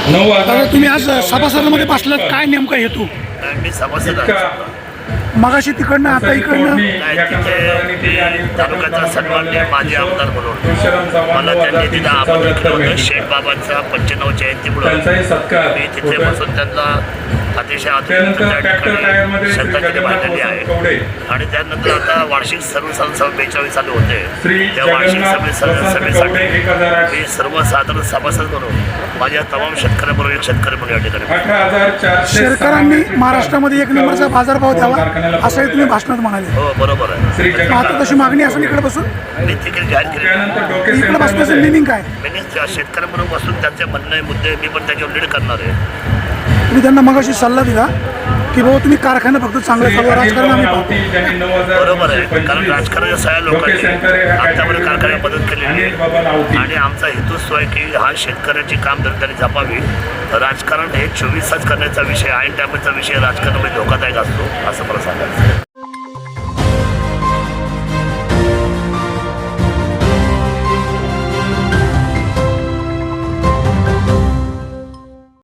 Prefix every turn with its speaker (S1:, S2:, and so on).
S1: दादा तुम्ही आज सभासदांमध्ये बसलात, काय नेमका हेतू?
S2: मी सभासद आहे.
S1: मगाशी तिकडनं आता इकडनं
S2: नाही, तिथे तालुक्याचा सन्माननीय माजी आमदार म्हणून मला त्यांनी तिथं आमंत्रित केलं होतं. शेख बाबांचा 95 जयंतीमुळं मी तिथे बसून त्यांना अतिशय आधुनिक त्या ठिकाणी श्रद्धांजली वाहिलेली आहे. आणि त्यानंतर आता वार्षिक सर्वसाधारण सभा 42 चालू होते. त्या वार्षिक सभेसाठी मी सर्वसाधारण सभासद म्हणून माझ्या तमाम शेतकऱ्यांबरोबर एक शेतकरी म्हणून या ठिकाणी
S1: शेतकऱ्यांनी महाराष्ट्रामध्ये 1 नंबरचा बाजारभाव द्यावा असंही तुम्ही भाषणात म्हणाले.
S2: हो बरोबर आहे.
S1: मग आता तशी मागणी असेल इकडे बसून,
S2: मी तिकीट जाहीर केली.
S1: इकडे बसण्याचं मिनिंग काय?
S2: मी शेतकऱ्यांबरोबर बसून त्यांचे म्हणणे मुद्दे मी पण त्याच्यावर लीड करणार आहे.
S1: तुम्ही त्यांना मगाशी सल्ला दिला की बाबा तुम्ही कारखाना फक्त चांगलं चालू, राजकारण आम्ही पाहतो.
S2: बरोबर आहे, कारण राजकारणाच्या सगळ्या लोकांनी आतापर्यंत कारखान्यात मदत केलेली आहे आणि आमचा हेतूच आहे की हा शेतकऱ्याची कामधंदा त्यांनी जपावी. राजकारण हे 24 तास करण्याचा विषय, ऐन टायमाचा विषय राजकारणामध्ये धोकादायक असतो असं मला सांगायचं.